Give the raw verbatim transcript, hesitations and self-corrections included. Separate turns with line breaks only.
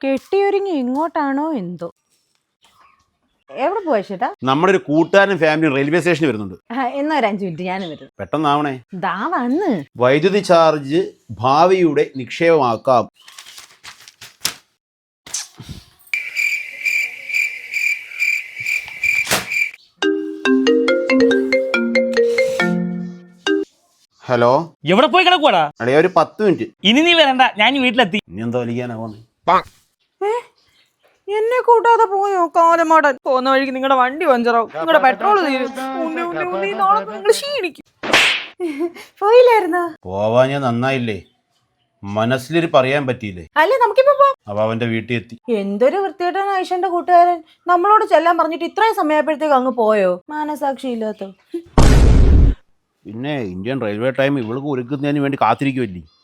കെട്ടിയൊരുങ്ങി ഇങ്ങോട്ടാണോ എന്തോ. എവിടെ പോവാ ചേട്ടാ?
നമ്മുടെ ഒരു കൂട്ടുകാരനും ഫാമിലിയും റെയിൽവേ സ്റ്റേഷനിൽ വരുന്നുണ്ട്.
എന്നാ ഒരു അഞ്ചു മിനിറ്റ് ഞാൻ വരുന്നു.
പെട്ടെന്നാവണേ.
ദാ വന്ന്.
വൈദ്യുതി ചാർജ് ഭാവിയുടെ നിക്ഷേപമാക്കാം. ഹലോ,
എവിടെ പോയി കിടക്കുവാടാ?
അടേ ഒരു പത്ത് മിനിറ്റ്.
ഇനി നീ വരണ്ട, ഞാൻ വീട്ടിലെത്തി.
ഇനി എന്താ വലിക്കാനാ?
എന്നെ കൂട്ടാതെ പോയോ കാലമാടൻ? പോകുന്ന വഴിക്ക് നിങ്ങളുടെ വണ്ടി പഞ്ചറാവും, നിങ്ങളുടെ പെട്രോൾ തീരും, നിങ്ങൾ ക്ഷീണിക്കും. പോയില്ലായിരുന്നോ?
പോവാൻ ഞാൻ നന്നായില്ലേ, മനസ്സിലൊരു പറയാൻ പറ്റിയില്ലേ.
അല്ലേ നമുക്കിപ്പോ പോവാം.
അവ അവന്റെ വീട്ടിൽ എത്തി.
എന്തൊരു വൃത്തികെട്ടൻ ഐഷന്റെ കൂട്ടുകാരൻ. നമ്മളോട് ചെല്ലാൻ പറഞ്ഞിട്ട് ഇത്രയും സമയപ്പോഴത്തേക്ക് അങ്ങ് പോയോ? മാനസാക്ഷി ഇല്ലാത്ത.
പിന്നെ ഇന്ത്യൻ റെയിൽവേ ടൈം ഇവൾക്ക് ഒരുക്കുന്നതിന് വേണ്ടി കാത്തിരിക്കുമല്ലേ.